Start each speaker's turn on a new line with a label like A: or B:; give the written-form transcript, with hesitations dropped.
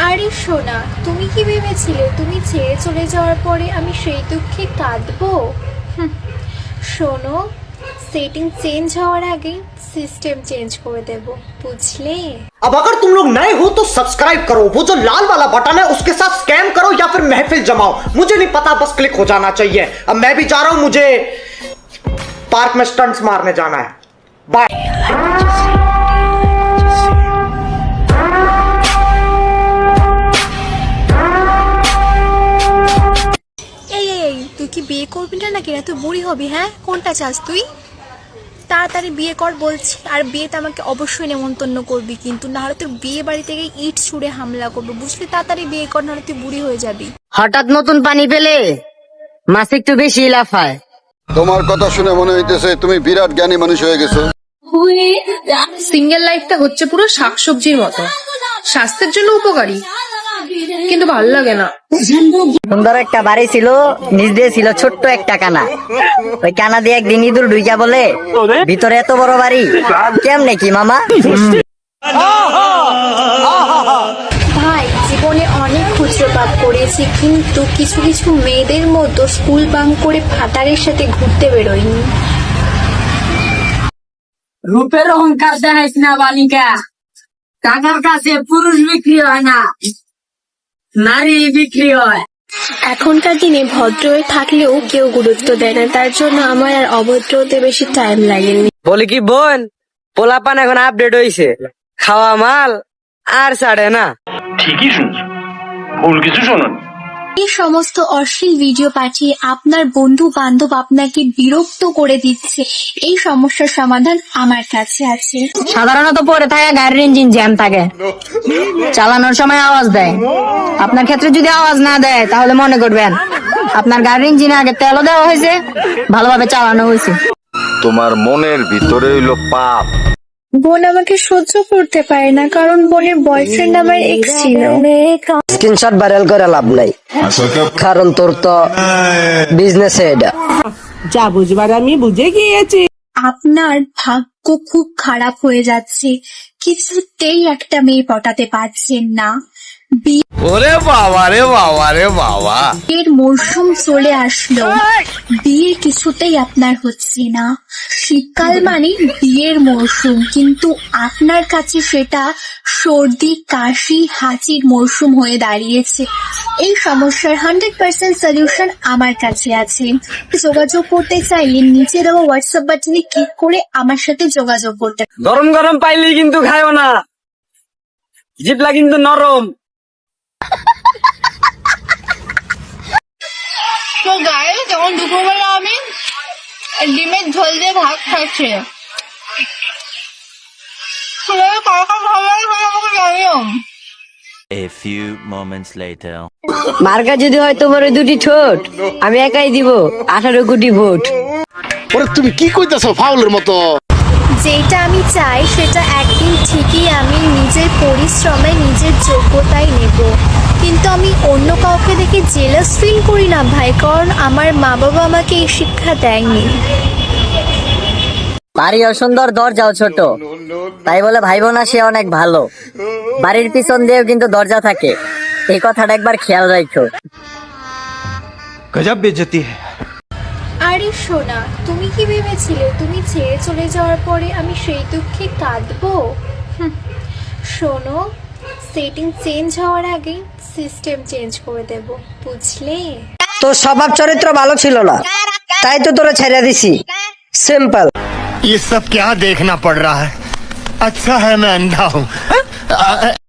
A: আরে সোনা, তুমি কি ভেবেছিলে তুমি ছেড়ে চলে যাওয়ার পরে আমি সেই দুঃখে কাঁদবো? শোনো, সেটিং চেঞ্জ হওয়ার আগে সিস্টেম চেঞ্জ করে দেব, বুঝলে?
B: अब अगर तुम लोग नए हो तो सब्सक्राइब करो, वो जो लाल वाला बटन है उसके साथ स्कैम करो या फिर महफिल जमाओ, मुझे नहीं पता, बस क्लिक हो जाना चाहिए। अब मैं भी जा रहा हूं, मुझे पार्क में स्टंट्स मारने जाना है। बाय।
A: এই তুই কি বিয়ে করবি না নাকি? না তুই বুড়ি হবি? হ্যাঁ, কোনটা চাস তুই? তাড়াতাড়ি বিয়ে কর বলছি। আর বিয়েতে আমাকে অবশ্যই নেমন্তন্ন করবি, কিন্তু না হলে তোর বিয়ে বাড়ি থেকে ইট ছুঁড়ে হামলা করবো, বুঝলি? তাড়াতাড়ি বিয়ে কর, নাহলে তুই বুড়ি হয়ে যাবি।
C: হঠাৎ নতুন পানি পেলে মাছ একটু বেশি লাফায়।
D: তোমার কথা শুনে মনে হইতেছে তুমি বিরাট জ্ঞানী মানুষ হয়ে গেছো।
E: সিঙ্গেল লাইফটা হচ্ছে পুরো শাকসবজির মতো, স্বাস্থ্যের জন্য উপকারী, কিন্তু ভালো লাগে না।
C: সুন্দর একটা বাড়ি ছিল, নিচ দিয়ে ছিল ছোট্ট একটা কানা। ওই কানা দিয়ে একদিন ইঁদুর ঢুইকা বলে, ভিতরে এত বড় বাড়ি কেমনে কি মামা?
A: ভাই, জীবনে অনেক খুচরোপাপ করেছি, কিন্তু কিছু কিছু মেয়েদের মতো স্কুল বাঙ্ক করে ফাটারের সাথে ঘুরতে বেরোয়নি।
C: রূপের অহংকার দেখাইস না বালিকা, টাকার কাছে পুরুষ বিক্রি হয় না, নারী বিক্রি হয়।
A: এখনকার দিনে ভদ্র হয়ে থাকলেও কেউ গুরুত্ব দেয় না, তার জন্য আমার আর অভদ্র হতে বেশি টাইম লাগেনি।
C: বলি কি বোন, পোলাপান এখন আপডেট হইছে, খাওয়া মাল আর ছাড়ে না।
F: ঠিকই শুনছো, ভুল কিছু শোনোনি।
A: এই সমস্ত অশ্লীল ভিডিও পাঠিয়ে আপনার বন্ধু বান্ধব আপনাকে বিরক্ত করে দিচ্ছে, এই সমস্যার সমাধান আমার কাছে আছে।
C: সাধারণত পরে থাকা গাড়ির ইঞ্জিন জ্যাম থাকে, চালানোর সময় আওয়াজ দেয়। আপনার ক্ষেত্রে যদি আওয়াজ না দেয় তাহলে মনে করবেন আপনার গাড়ির ইঞ্জিনে আগে তেলও দেওয়া হয়েছে, ভালোভাবে চালানো হয়েছে।
D: তোমার মনের ভিতরে হইলো পাপ।
A: বোন আমাকে সহ্য করতে পারে না, কারণ বোনের বয়ফ্রেন্ড আমার এক্স ছিল।
C: স্ক্রিনশট ভাইরাল করে লাভ নাই, কারণ তোর তো বিজনেস এটা।
G: যা বুঝবার আমি বুঝে গিয়েছি।
A: আপনার ভাগ্য খুব খারাপ হয়ে যাচ্ছে, কিছুতেই একটা মেয়ে পটাতে পারছেন না।
H: ওরে বাবা রে বাবা রে বাবা,
A: বিয়ের মরশুম চলে আসলো, বিয়ে কিছুতেই আপনার হচ্ছে না। শীতকাল মানে বিয়ের মরশুম, কিন্তু আপনার কাছে সেটা সর্দি কাশি হাঁচির মরশুম হয়ে দাঁড়িয়েছে। এই সমস্যার 100% সলিউশন আমার কাছে আছে। যোগাযোগ করতে চাইলে নিচে দেওয়া হোয়াটসঅ্যাপ বাটনে ক্লিক করে আমার সাথে যোগাযোগ করতে।
C: গরম গরম পাইলেই কিন্তু খায়ও না, জিপলা কিন্তু নরম।
E: তো গায়ে তখন দুপুরবেলা আমি ডিমের ঝোল দিয়ে ভাত খাচ্ছি।
I: A few moments later.
C: মার্কা যদি হয় তোমার ওই দুটি ঠোঁট, আমি একাই দিব 18 কোটি ভোট।
D: ওরে তুমি কি কইতাছো ফাউলের মতো?
A: যেটা আমি চাই সেটা একদিন ঠিকই আমি নিজের পরিশ্রমে নিজের যোগ্যতায় নেব, কিন্তু আমি অন্য কাউকে দেখে জেলাস ফিল করি না ভাই, কারণ আমার মা বাবা আমাকে এই শিক্ষা দেয়নি।
C: বাড়িও সুন্দর, দরজাও ছোট, তাই বলে ভাইবো না সে অনেক ভালো। বাড়ির পিছন দিয়েও কিন্তু দরজা থাকে, এই কথাটা একবার খেয়াল রাখো।
H: গজব বেইজ্জতি है।
A: আরে সোনা, তুমি কি ভেবেছিলে তুমি ছেড়ে চলে যাওয়ার পরে আমি সেই দুঃখে কাঁদবো? শোনো, সেটিং চেঞ্জ হওয়ার আগে সিস্টেম চেঞ্জ করে দেব, বুঝলে?
C: তোর স্বভাব চরিত্র ভালো ছিল না, তাই তো তোরা ছেড়ে দিছি। সিম্পল।
H: ये सब क्या देखना पड़ रहा है? अच्छा है मैं अंधा हूँ।